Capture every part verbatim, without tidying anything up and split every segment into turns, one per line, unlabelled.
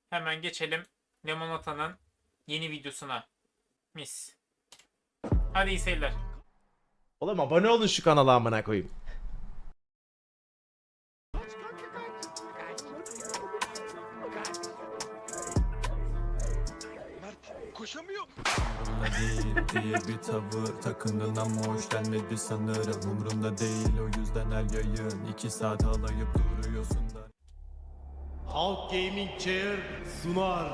Hemen geçelim Limonata'nın yeni videosuna. Mis. Hadi iyi seyirler.
Oğlum abone olun şu kanala amına koyayım.
Koşamıyor.
Umrunda değil diye bir tavır takındın ama hoşlanmadı sanırım. Umrunda değil, o yüzden her yayın iki saat alayıp duruyorsun da.
Halk Gaming Chair sunar.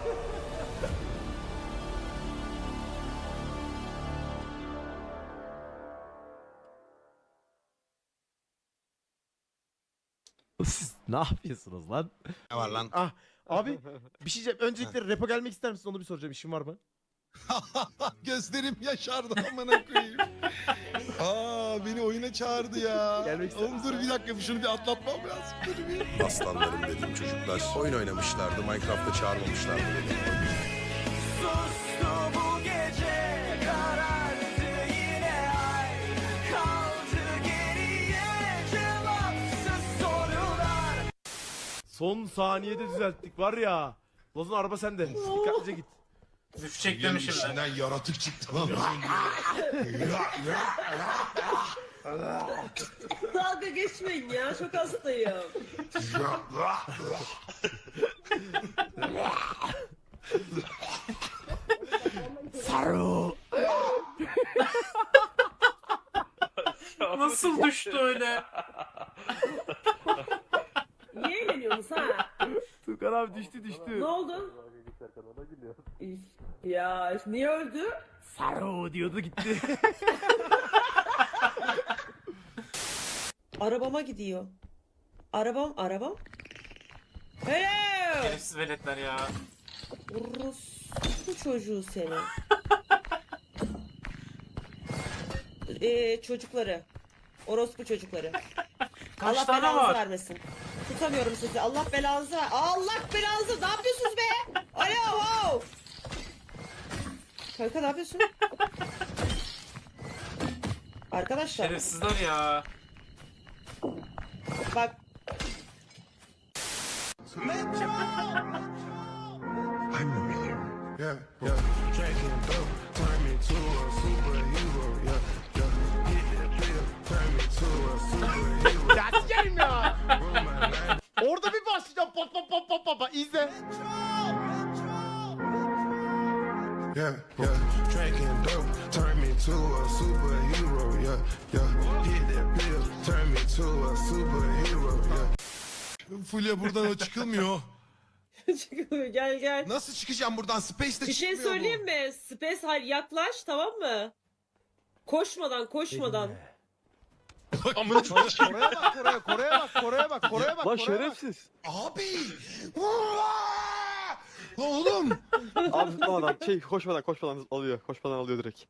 Siz ne yapıyorsunuz lan?
Ne var lan?
Ah abi bir şey diyeceğim. Öncelikle repo gelmek ister misin? Onu bir soracağım. İşin var mı?
Gözlerim yaşardı amına koyayım. Aa beni oyuna çağırdı ya.
Gelmek ister
Oğlum dur bir dakika şunu bir atlatmam lazım. Dur bir.
Aslanlarım dediğim çocuklar oyun oynamışlardı. Minecraft'ta çağırmamışlardı beni.
Sustu bu gece, karardı yine ay. Kaldı geriye cevapsız sorular.
Son saniyede düzelttik var ya. Lozan araba sende. Dikkatlice git.
Düşecek
Yemin
demişim ben.
içinden yaratık çıktı lan.
Dalga geçmeyin ya, çok hastayım.
Saru.
Nasıl düştü öyle?
Niye eğleniyorsunuz ha?
Tukan abi düştü düştü.
Ne oldu? Üf, ya niye öldü?
Saru diyordu gitti.
Arabama gidiyor. Arabam, arabam. Hello!
Şerefsiz veletler ya.
Orospu çocuğu seni. Ee, çocukları. Orospu çocukları.
Kaç
Allah
tane
belanızı
var?
vermesin. Tutamıyorum sizi. Allah belanızı ver. Allah belanızı. Ne yapıyorsunuz be? Alo, wow. Kanka ne yapıyorsun? Arkadaşlar
Şerefsizler ya.
bak
Yeah, yeah. Drinking dope, turn me to a superhero. Yeah, yeah. Hit that pill, turn me to a superhero.
Ya sikerim ya. Orada bir başlayacağım. Pat pat pat pat pat pat. İzle.
Yeah, yeah. Drinking dope, turn me to a superhero. Yeah, yeah. Hit that pill, turn me to a superhero. Yeah.
Fulya buradan o çıkılmıyor.
gel gel.
Nasıl çıkacağım buradan? Space'de
Bir şey
çıkmıyor
söyleyeyim mi? Space hal yaklaş, tamam mı? Koşmadan koşmadan.
bu. Amına koyayım.
Kore'ye bak Kore'ye. Kore'ye bak Kore'ye bak. Kore'ye bak.
Lan
Kore'ye bak.
şerefsiz.
Abi. Oğlum.
Abi tutmadan şey koşmadan koşmadan alıyor. Koşmadan alıyor direkt.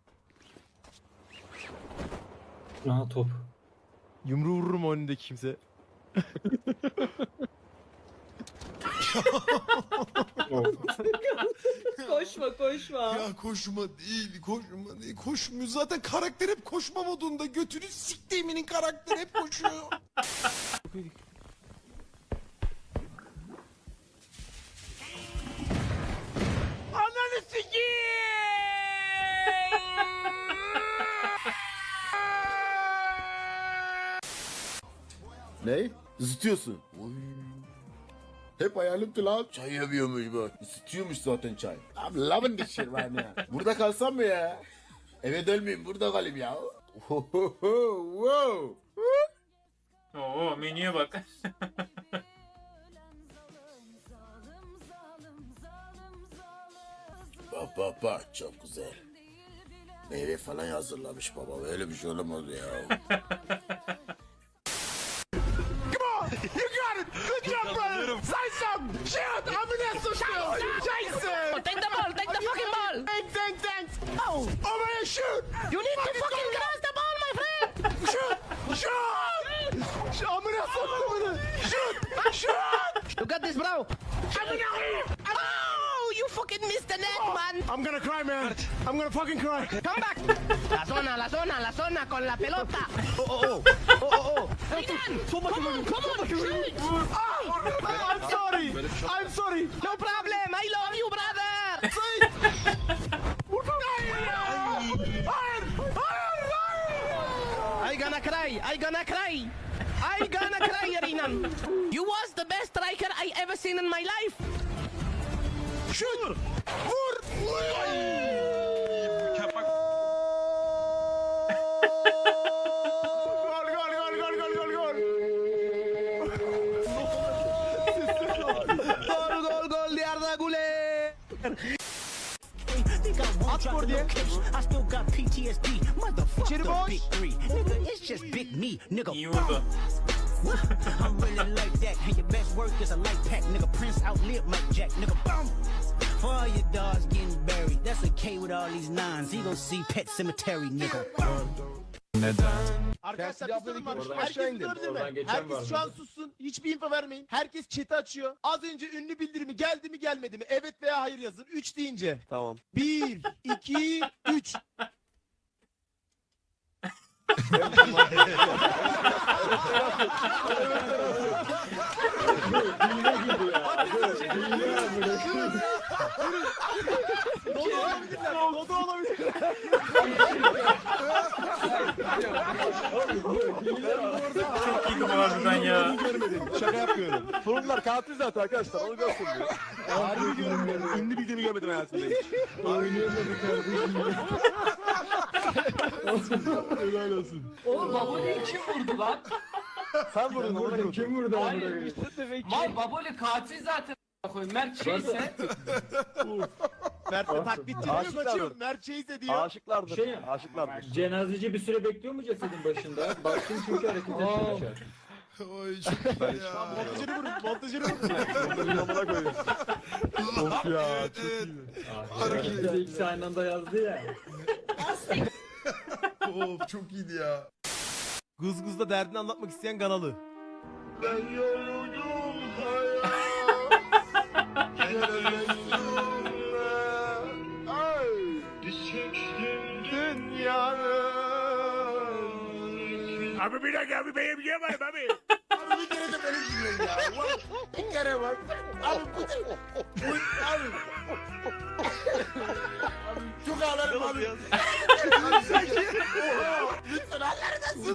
Aha top.
Yumruğu vururum önündeki kimse.
Koşma koşma.
Ya koşma değil, koşma değil, koşmuyor. Zaten karakter hep koşma modunda. Götünü siktiğiminin karakteri hep koşuyor.
Ananı sikeyim.
Ne? Isıtıyorsun. Oy. Hep hayalimdi lan. Çay yapıyormuş bu. Isıtıyormuş zaten çay. I'm loving this shit right now. Burada kalsam mı ya? Eve dönmeyeyim, burada kalayım ya. Wow.
Oo menüye bak.
Bak bak bak, çok güzel. Meyve falan hazırlamış baba. Öyle bir şey olamaz ya.
Take the ball, take the fucking ball.
Thanks thanks thanks.
Oh,
Over here shoot.
you need to fucking cross the ball, my friend.
Shoot. Shoot. Şu amına soktuğunu. Shoot. Shoot.
You got this, bro. Oh, you fucking Mister Netman.
I'm gonna cry, man. I'm gonna fucking cry.
Come back. La zona, la zona, la zona con la pelota.
Oh, oh, oh. Oh, oh, oh.
Zidane, come on, come on, shoot.
I'm sorry. I'm sorry.
No problem. I love you, brother. I gonna cry. I gonna cry. I gonna cry, Renan. You was the best striker I ever seen in my life.
Şut. Vur. Gol, gol, gol, gol, gol, gol, gol.
Gol, gol, gol de Arda Güler.
At gol diye.
I still got P T S D.
İçeri
Motherfucker,
boş.
big three. Nigga, it's just big me, nigga.
İyi vurdu.
I'm really like that. And your best work is a light pack, nigga. Prince outlived Mike Jack, nigga. Boom. For all your dogs getting buried, that's a K with all these nines. You gon' see Pet Cemetery, nigga.
Neden?
Arkadaşlar bir sorun var.
Oradan
Herkes
aşağı indim.
durabilir mi?
Oradan geçen
Herkes
var
şu an
mı?
sussun. Hiçbir info vermeyin. Herkes chat'i açıyor. Az önce ünlü bildirimi geldi mi gelmedi mi? Evet veya hayır yazın. üç deyince.
Tamam.
bir, iki, üç. Dodo olabilirler. Dodo olabilirler.
Çok iyiydi bu harbiden ya.
Şaka yapmıyorum. Sorunlar katil zaten arkadaşlar. Onu görsün diyor. Harbi görmedim. Ünlü bildiğini görmedim hayatımda hiç. Helal olsun.
Oğlum Baboli'yi kim vurdu lan?
Sen vurdun. Vurdun.
Kim vurdu? Hayır. Mal Baboli katil zaten. Mert şeyse.
Mert'e taklit ediyor
Aşıklardır.
kaçıyor. Mert şeyse diyor.
Aşıklardır.
Şey-
Aşıklardır.
Cenazeci bir süre bekliyor mu cesedin başında? Baktım çünkü hareket etmiyor.
Oy çok iyi ya.
Montajını vurun. Montajını vurun.
Onları amına koyuyor. Of ya.
Evet,
Çok
evet.
iyi.
Bir de ikisi aynı anda yazdı ya.
Of çok iyiydi ya.
Gız gızla derdini anlatmak isteyen Ganalı.
Ben yoruldum hayat.
Abi bir dakika abi benim yiyemem abi.
Abi bir kere de beni dinleyin ya. Ulan bir kere var. Abi bu bu abi. Abi çok ağlarım abi. Abi sen Oha. Lütfen ağlarım.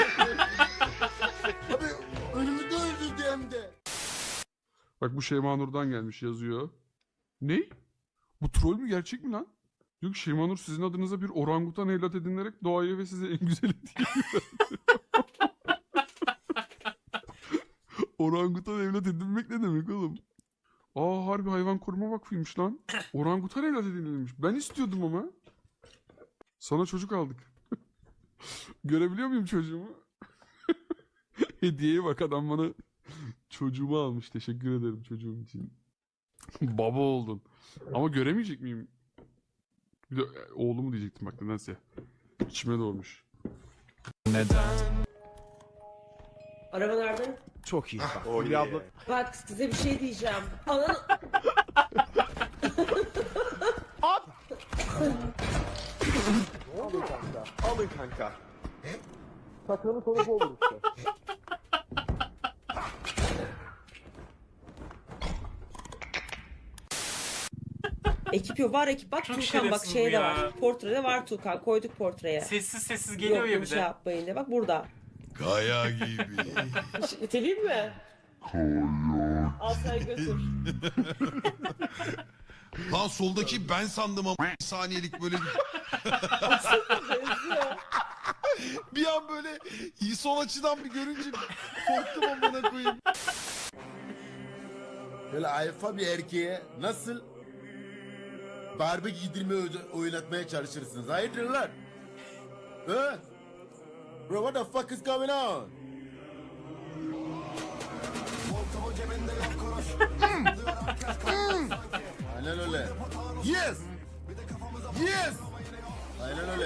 Abi önümüzde öldürdü hem de.
Bak bu Şeyma Nur'dan gelmiş yazıyor. Ne? Bu troll mü gerçek mi lan? Diyor ki Şeyma Nur sizin adınıza bir orangutan evlat edinilerek doğaya ve size en güzel hediye Orangutan evlat edinmek ne demek oğlum? Aa harbi hayvan koruma vakfıymış lan. Orangutan evlat edinilmiş. Ben istiyordum ama. Sana çocuk aldık. Görebiliyor muyum çocuğumu? Hediyeye bak adam bana çocuğumu almış. Teşekkür ederim çocuğum için. Baba oldun. Ama göremeyecek miyim? Bir de oğlumu diyecektim bak nedense. İçime doğmuş.
Neden?
Araba nerede?
Çok iyi. Bak,
Oh
Fulya
yeah.
abla.
Bak size bir şey diyeceğim. Ananı...
At.
Alın kanka. Alın kanka. Sakalın sonu bu olur işte.
Ekip yok. Var ekip. Bak
Çok
Tuğkan bak
şerefsiz bu
şeyde
ya.
var. Portrede var Tuğkan. Koyduk portreye.
Sessiz sessiz geliyor
Yok
ya
yok
bir
şey
de.
yapmayın diye. Bak burada.
Kaya gibi.
İteleyim mi? Al sen götür.
Lan soldaki ben sandım ama saniyelik böyle bir... bir an böyle sol açıdan bir görünce korktum amına koyayım.
Böyle alfa bir erkeğe nasıl Barbie giydirme oynatmaya çalışırsınız? Hayırdır lan? He? Bro what the fuck is going on? Hmm. Hmm. Aynen öyle. Yes! Yes! Aynen öyle.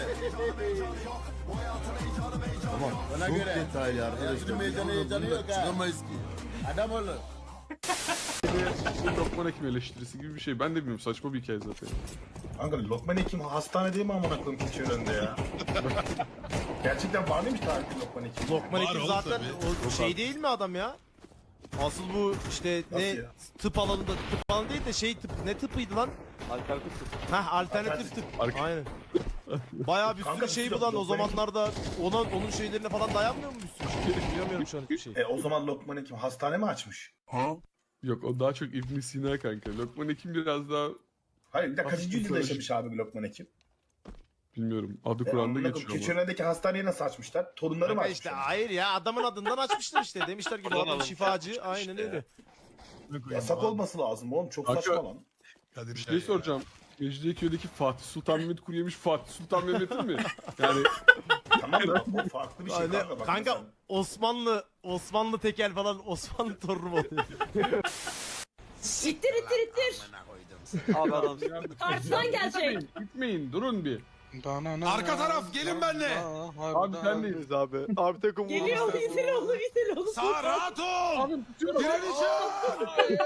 Tamam. Bana
Çok
göre.
detaylı arkadaşlar.
Hayatının meydanı heyecanı yok ha.
Çıkamayız ki.
Adam olun.
bir Lokman Hekim eleştirisi gibi bir şey. Ben de bilmiyorum, saçma bir hikaye zaten.
Kanka Lokman Hekim hastane değil mi amına koyayım keçi önünde ya? Gerçekten var mıymış tarihte Lokman Hekim?
Lokman
Var
Hekim
oğlum
zaten
tabii.
o şey değil mi adam ya? Asıl bu işte
Nasıl
ne
ya?
tıp alanında tıp alanı değil de şey tıp ne tıpıydı lan?
Alternatif tıp.
Heh alternatif tıp. Aynen. Bayağı bir
Kanka
sürü şey
biz
bu lan o
Lokman
zamanlarda ona onun şeylerine falan dayanmıyor mu bir sürü şey? Bilmiyorum şu an hiçbir şey.
E o zaman Lokman Hekim hastane mi açmış?
Yok, o daha çok İbn Sina kanka. Lokman Hekim biraz daha
Hayır bir de kaçıncı
Hafif
yüzyılda
psikolojik.
yaşamış abi Lokman Hekim?
bilmiyorum. Adı
E,
Kur'an'da
amına koyayım,
geçiyor
keçi
ama.
önündeki hastaneyi nasıl açmışlar? Torunları mı
Kanka
açmışlar?
işte hayır ya adamın adından açmışlar işte. Demişler ki bu adam şifacı. Aynen öyle.
Yasak olması lazım oğlum çok
Kanka-
saçma lan.
Kadir
Bir şey soracağım. Mecidiyeköy'deki Fatih Sultan Mehmet kuru yemiş Fatih Sultan Mehmet'in mi? Yani
Tamam da o farklı bir şey
Aynen.
kanka. Bak
Kanka
mesela.
Osmanlı Osmanlı tekel falan Osmanlı torunu mu oluyor?
İttir ittir ittir.
Abi adam.
Karşıdan gelecek.
gitmeyin, durun bir.
Arka taraf gelin benimle.
Abi sen değil.
Biz abi. Abi takım
Geliyor itil oğlum itil oğlum.
Sağ rahat ol.
Abi tutuyorum.
Direneceğim.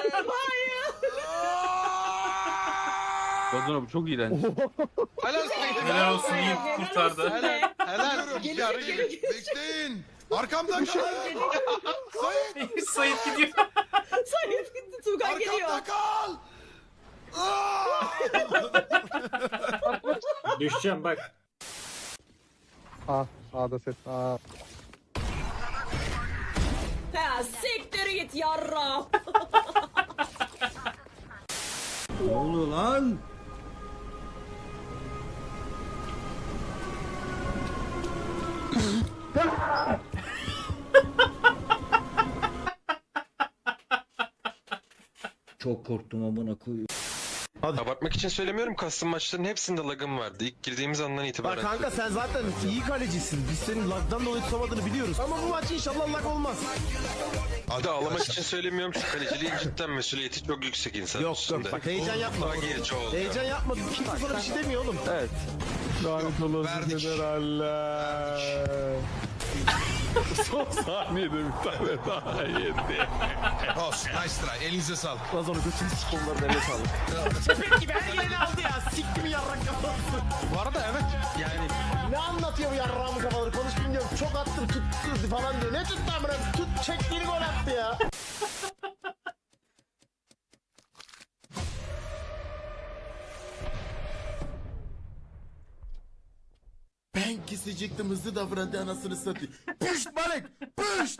Ozan abi çok iğrenç.
Helal olsun iyi kurtardı.
Helal.
Gelecek gelecek.
Bekleyin. Arkamda kal. Sayın.
Sait gidiyor.
Sayın gitti Tuğkan geliyor.
Arkamda kal.
Düşeceğim bak.
Ah sağda ses. Ah.
Ha siktir git yarra.
Ne oluyor lan? Çok korktum amına koyayım.
Abartmak için söylemiyorum. Custom maçların hepsinde lagım vardı. İlk girdiğimiz andan
Bak
itibaren.
kanka sen zaten iyi kalecisin. Biz senin lagdan dolayı tutamadığını biliyoruz. Ama bu maç inşallah lag olmaz.
Bir de ağlamak için söylemiyorum. Şu kaleciliğin cidden mesuliyeti çok yüksek insan
Yok
üstünde.
yok bak heyecan yapma.
Daha geç oldu.
Heyecan yapma. Kimse sana bir şey demiyor oğlum.
Evet.
Lanet olası
Verdik.
generaller. Son saniyede bir tane daha yedi.
Olsun nice try. Elinize sağlık.
Lan sonra götünü sikomları eline sağlık. Sepet gibi her yerini aldı ya. Sikti mi yarrak kafası.
Bu arada evet. Yani
Ne anlatıyor bu yarrağımın kafaları? Konuş bilmiyorum. Çok attım tuttu falan diyor. Ne tuttu amına? Tut çektiğini gol attı ya.
Ben kesecektim, hızlı davrandı, anasını satayım. Püşt balık! Püşt!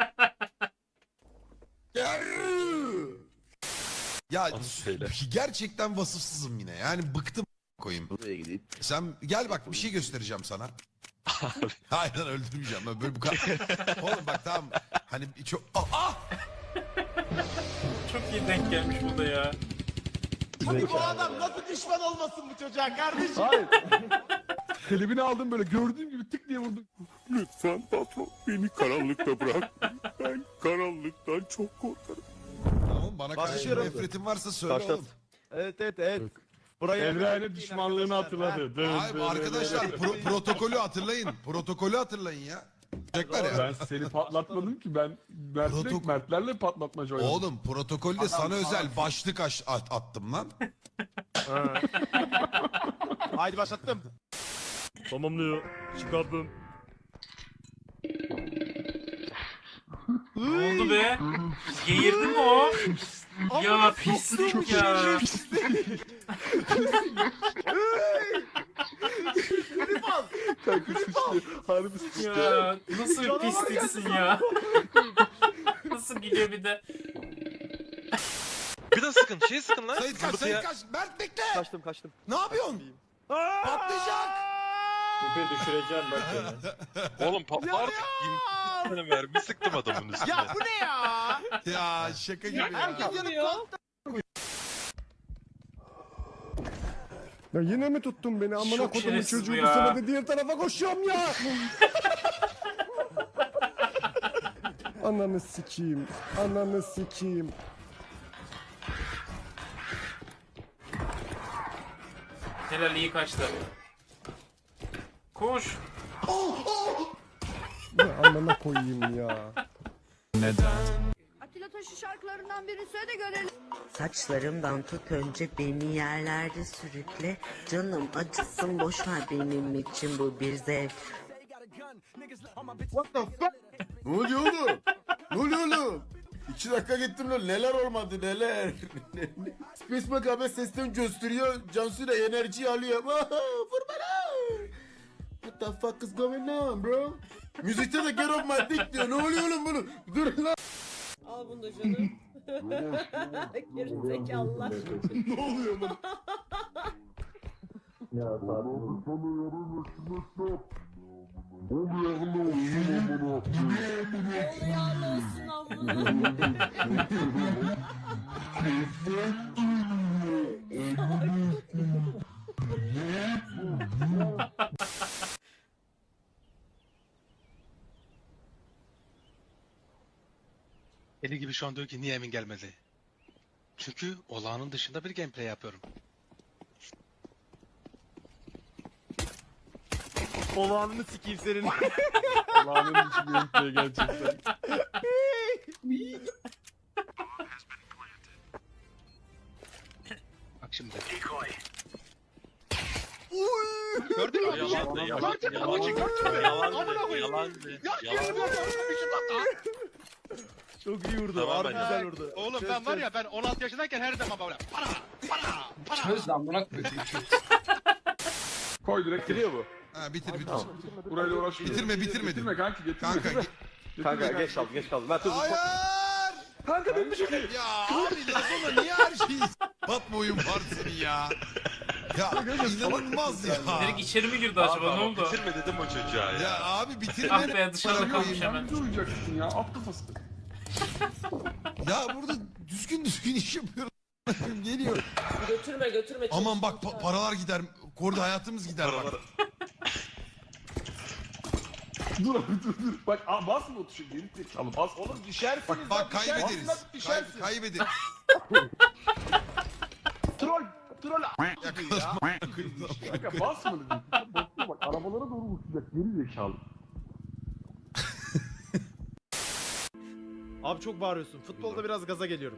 Yarrrr!
ya gerçekten vasıfsızım yine. Yani bıktım koyayım.
Buraya gideyim.
Sen gel bak bir şey göstereceğim sana. Hayır lan öldürmeyeceğim. Ben böyle bu kadar. Oğlum bak tamam. Hani çok ah, ah!
Çok iyi denk gelmiş bu da ya.
Hadi bu adam nasıl düşman olmasın bu çocuğa kardeşim?
Hayır. Klibini aldım böyle gördüğüm gibi tık diye vurdum. Lütfen patron beni karanlıkta bırak. Ben karanlıktan çok korkarım.
Tamam bana karşı
Başlıyorum.
nefretin varsa söyle
Başlat.
oğlum.
Evet evet evet. Buraya
Evrene düşmanlığını hatırladı. Dın
Hayır
dın
arkadaşlar
dın.
pro- protokolü hatırlayın. Protokolü hatırlayın ya. Çocuklar ya.
Ben seni patlatmadım ki, ben Mert'le,
Protok-
Mertlerle patlatmaca oynadım.
Oğlum protokolde sana özel başlık aş- at- attım lan.
Haydi başlattım.
Tamamlıyor. Çıkardım.
Ne oldu be? Geğirdi mi o? Ya pislik ya.
Kanka sıçtı. Harbi sıçtı.
Ya nasıl bir pisliksin ya. Nasıl gülüyor bir de.
Bir de sıkın. Şey sıkın lan.
Sayit kaç,
Zımbırtıya-
Sayit kaç. Mert bekle.
Kaçtım kaçtım.
Ne yapıyorsun? Patlayacak.
Tipi düşüreceğim bak seni.
Oğlum patla artık. yirmi tane mermi sıktım adamın üstüne.
Ya bu ne ya?
Ya şaka gibi ya.
Herkes yanıp
Ya yine mi tuttun beni? Amına
Çok
kodumun
şerefsiz
çocuğu
bu
bu
ya.
sene de diğer tarafa koşuyorum ya. Ananı sikeyim. Ananı sikeyim.
Helal iyi kaçtı. Koş.
Ya amına koyayım ya.
Neden?
Atilla Taş'ın şarkıları videolarından birini söyle de görelim.
Saçlarımdan tut önce beni yerlerde sürükle. Canım acısın boş ver benim için bu bir zevk.
What the fuck? Ne oluyor oğlum? Ne oluyor oğlum? İki dakika gittim lan neler olmadı neler. Space Macabre sesten gösteriyor. Cansu da enerji alıyor. Vur bana. What the fuck is going on bro? Müzikte de get off my dick diyor. Ne oluyor oğlum bunu? Dur lan.
Al bunu da canım. Gerizekalılar.
Ne oluyor oğlum?
Eli gibi şu an diyor ki niye Emin gelmedi? Çünkü olağanın dışında bir gameplay yapıyorum.
Olağanını sikeyim senin.
Allah'ın için gameplay gerçekten.
Bak şimdi. Gördün mü?
Yalandı, yalandı, yalandı, yalandı, yalandı, yalandı.
Çok iyi vurdu.
Tamam,
Harbi
ben-
güzel vurdu.
Oğlum ben var ya ben on altı yaşındayken her zaman böyle para para para.
Çöz lan buna
Koy direkt.
Bitiriyor bu.
Ha bitir bitir.
Burayla uğraşmıyor.
Bitirme bitirme.
Getirme kanki getirme.
Kanka ge-
Kanka geç kaldı geç kaldı. Ben tuzum.
Hayır.
Kanka ben bir şey
Ya abi Lazona niye her şeyi batma oyun var senin ya. Ya inanılmaz ya.
Direkt içeri mi girdi acaba, ne oldu?
Bitirme dedim o çocuğa ya.
Ya abi bitirme.
Ah be, dışarıda kalmış hemen.
Yardımcı olacaksın ya. At kafası.
Ya burada düzgün düzgün iş yapıyoruz. Geliyor.
Götürme götürme.
Aman bak pa- paralar gider. Korda hayatımız gider bak.
Dur abi dur dur. Bak aa, basma o tuşa. Geri zekalı bas.
Oğlum düşersiniz.
Bak bak
lan,
kaybederiz.
düşersiniz, lan,
Kay-
düşersiniz.
kaybederiz.
Troll. Troll.
Yakalamak.
Kanka basma dedim. Basma bak arabalara doğru uçacak. Geri zekalı.
Abi çok bağırıyorsun. Futbolda biraz gaza geliyorum.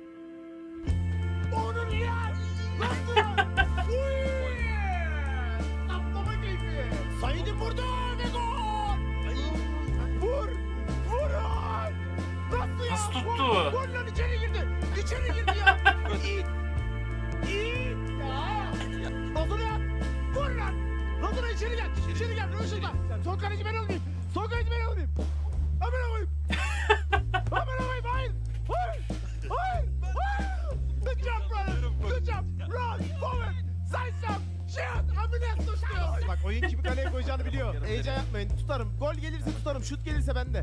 Said'i vurdu ve gol! Vur! Vurun! Nasıl ya?
Nasıl tuttu?
Gol, gol lan içeri girdi! İçeri girdi ya! İt! İt! Ya! Lazona yap! Vur lan! Lazona içeri gel! İçeri gel! Röşat'a! Son kaleci ben olayım! Son kaleci ben olayım! Hemen olayım! Hemen olayım! Hayır! Hayır! Hayır! Hayır! Good job brother! Good job! Run! Forward! Say some! Shoot! Amine tutuyor! Bak oyun kimi kaleye koyacağını biliyor. Heyecan yapmayın. Tutarım. Gol gelirse tutarım. Şut gelirse bende.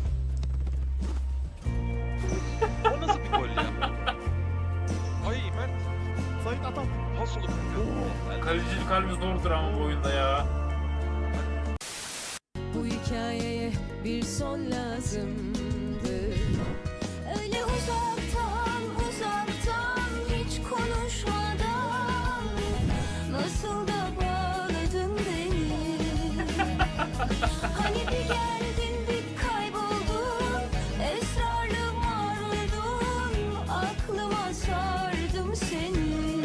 O nasıl bir gol ya? Ay Mert.
Sait atar.
Pas olur.
Kalecilik halimiz zordur ama bu oyunda ya.
Bu hikayeye bir son lazımdı. Öyle uzaktan uzaktan hiç konuşmadan nasıl da bağladın beni. Hani bir geldin bir kayboldun, esrarlı mardun, aklıma sardım seni.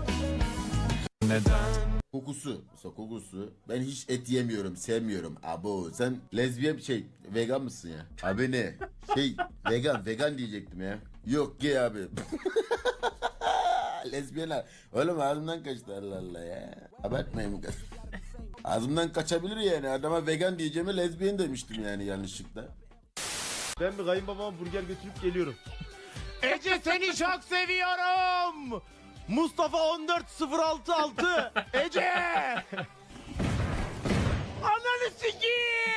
Neden?
Kokusu. Mesela kokusu. Ben hiç et yemiyorum, sevmiyorum. Abo sen lezbiyen şey vegan mısın ya? Abi ne? Şey vegan, vegan diyecektim ya. Yok gay abi. Lezbiyenler. Oğlum ağzımdan kaçtı Allah Allah ya. Abartmayın. Ağzımdan kaçabilir yani. Adama vegan diyeceğime lezbiyen demiştim yani yanlışlıkla.
Ben bir kayınbabama burger götürüp geliyorum. Ece seni çok seviyorum. Mustafa on dört sıfır altı altı. Ece! Ananı sikeyim!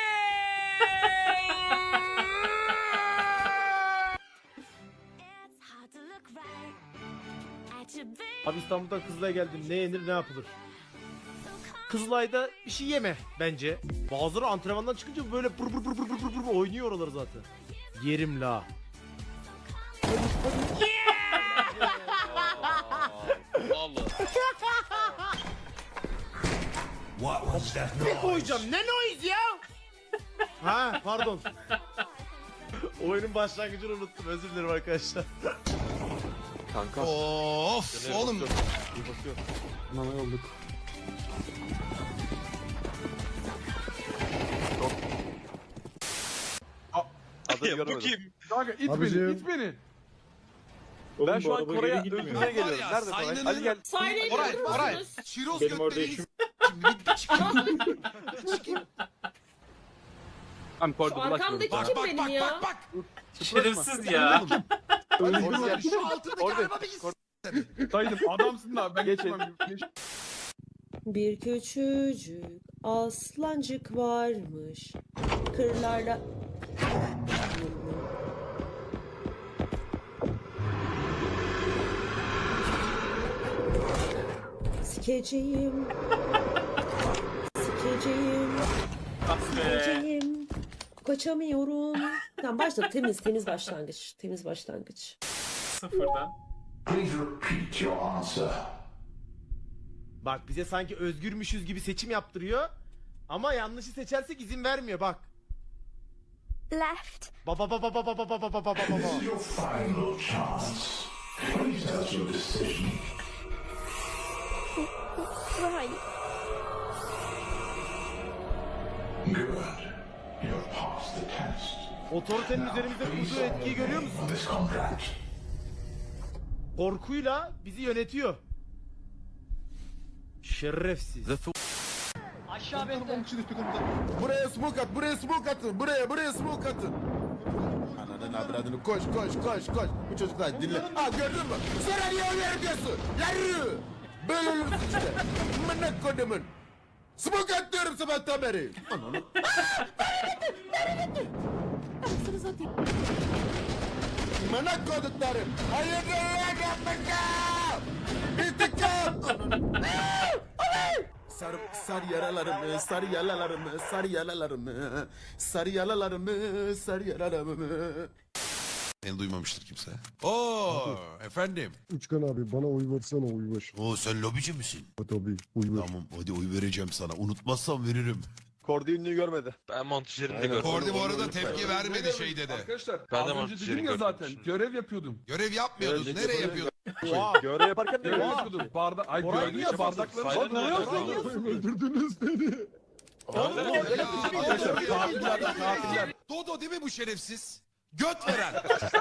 Abi İstanbul'dan Kızılay'a geldim. Ne yenir ne yapılır? Kızılay'da bir şey yeme bence. Bazıları antrenmandan çıkınca böyle pır pır pır pır pır pır pır oynuyor oraları zaten. Yerim la.
What was that
Bir koyacağım. Ne noise ya? Ha pardon. Oyunun başlangıcını unuttum. Özür dilerim arkadaşlar.
Kanka.
Of oğlum.
Nana yolduk.
Adını göremedim.
Kanka it
Abicim.
beni, it beni.
Ben şu an Koray'a öldürmeye geliyorum.
ya,
Nerede Koray?
Sayna'nın-
Hadi gel.
Sayneyi
Koray,
görüyor
Koray.
musunuz?
Şiroz
Benim orada
götleri
işim-
Şimdi bir, bir çıkayım. Bir çıkayım.
Tamam
Şu
Koray'da
arkamdaki
Bak
kim
bak
benim
bak
ya?
bak bak.
Şerefsiz ya.
Orada
Şu altındaki
Orada.
araba bir s***.
Saydım adamsın da ben
Geçin.
geçemem. Geç.
Bir küçücük aslancık varmış. Kırlarla... Sikeceğim. Sikeceğim.
Ah be.
Sikeceğim. Kaçamıyorum. Tamam başla. Temiz temiz başlangıç. Temiz başlangıç.
Sıfırdan.
Bak bize sanki özgürmüşüz gibi seçim yaptırıyor. Ama yanlışı seçersek izin vermiyor bak.
Left.
Baba baba baba baba baba baba baba.
Right.
Otoritenin üzerimizde kurduğu etkiyi görüyor musun? Korkuyla bizi yönetiyor. Şerefsiz.
Aşağı bekle.
Buraya smoke at, buraya smoke atın, buraya, buraya smoke atın. Ananın avradını koş, koş, koş, koş. Bu çocuklar dinle. Aa gördün mü? Sonra niye oy veriyorsun? Yarı! Böyle olursun işte. Mınak kodumun. Smoke at diyorum sabahtan beri. Ananı. Anasını satayım. Mınak koduklarım. Hayırdır lan yapmayacağım. İntikam. Ananı. Sarı, sarı yaralarımı, sarı yaralarımı, sarı yaralarımı, sarı yaralarımı, sarı yaralarımı.
Seni duymamıştır kimse. Oo efendim.
Uçkan abi bana oy versene oy ver.
Oo sen lobici misin?
Tabii oy ver.
Tamam hadi oy vereceğim sana. Unutmazsam veririm.
Kordi ünlüyü görmedi.
Ben montajlarını
Aynen.
Kordi bu arada tepki vermedi şey dedi.
Arkadaşlar
Ben de
az önce
montajını
dedim ya
gördüm
zaten
şimdi.
görev yapıyordum.
Görev yapmıyordun.
Görev
Nereye yapıyordun?
Oha.
Görev yaparken ne
Görev
görüyorsun?
yapıyordum. Bardak, ay
Koray
gördün
niye
ya bardakları.
Sayın
Bak, ne
Koray
yapıyorsun?
Öldürdünüz beni.
Oğlum, öyle bir şey mi?
Arkadaşlar katiller, katiller.
Dodo değil mi bu şerefsiz? Göt veren.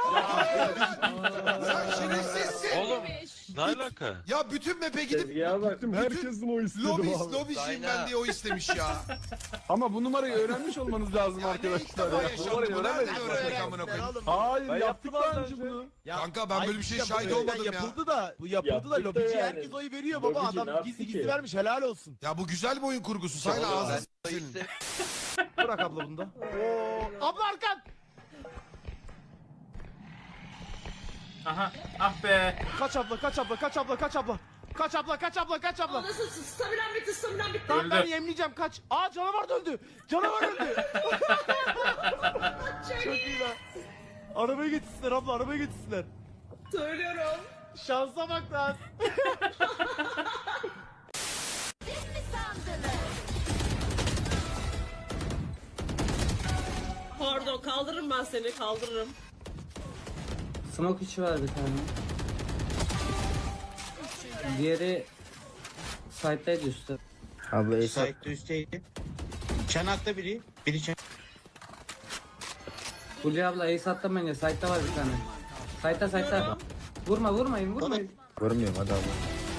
Sen şerefsizsin.
Oğlum ne alaka?
Ya bütün map'e gidip
Ya baktım herkesin oy istedim
lobis,
abi.
lobiciyim ben diye o istemiş ya.
Ama bu numarayı öğrenmiş olmanız lazım
Ya ne ilk
arkadaşlar.
defa
ya.
yaşandı
Numarayı
bu? Nerede
öğrenmedik.
öğrendik amına koyayım?
Hayır
Ben
yaptık
yaptım
daha
az
önce
önce.
bunu.
Ya,
Kanka ben böyle bir şey
ayrıca
şahit
bu
olmadım ya.
Yapıldı da, bu yapıldı
Yaptık
da
da
lobici
yani.
herkes oy veriyor baba.
Lobici ne
Adam
yaptı
gizli
ki?
gizli vermiş helal olsun.
Ya bu güzel bir oyun kurgusu. Sayla ağzını senin.
Bırak abla bunda. Oo, abla arkan.
Aha. Ah be.
Kaç abla kaç abla kaç abla kaç abla. Kaç abla kaç abla kaç abla.
Nasıl stabilen bitti stabilen bitti.
Tamam ben
Öldü.
yemleyeceğim kaç. Aa canavar da öldü. Canavar öldü. Çok iyi lan. Arabayı getirsinler abla arabayı getirsinler.
Söylüyorum.
Şansa bak lan.
Pardon kaldırırım ben seni kaldırırım.
Smoke içi var bir tane. Diğeri site'daydı üstte.
Abla Esat üstteydi. Çanakta biri. Biri çanak.
Hulya abla ace atlamayın, site'da var bir tane. Site'da site'da. Vurma vurmayın vurmayın.
Vurmuyorum hadi abla.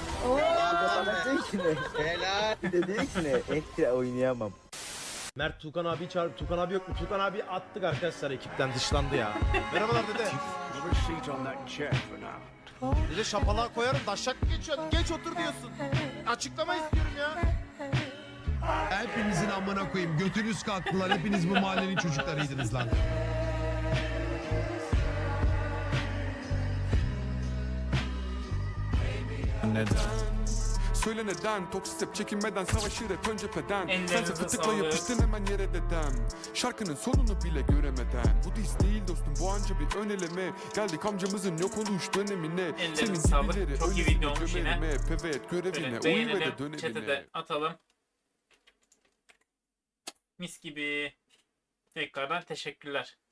Helal. Dedi ki ne? Ekstra oynayamam.
Mert Tukan abi çağırıp Tukan abi yok mu? Tukan abi attık arkadaşlar ekipten dışlandı ya. Merhabalar dede. Dede şapalığa koyarım daşak mı geçiyorsun? Geç otur diyorsun. Açıklama istiyorum ya.
Hepinizin amına koyayım. Götünüz kalktılar. Hepiniz bu mahallenin çocuklarıydınız lan.
Neden? Söyle neden? Toksik hep çekinmeden savaşır hep ön cepheden.
Ellerinize
Sense fıtıkla
sağlık.
yapıştın hemen yere dedem. Şarkının sonunu bile göremeden. Bu diz değil dostum bu anca bir ön eleme. Geldik amcamızın yok oluş dönemine.
Ellerinize sağlık.
gibileri
Çok iyi
öylesine
video olmuş yine.
gömelim hep. Evet görevine
Böyle
uyu ve de
beğenelim. Chat'e
dönemine.
de atalım. Mis gibi. Tekrardan teşekkürler.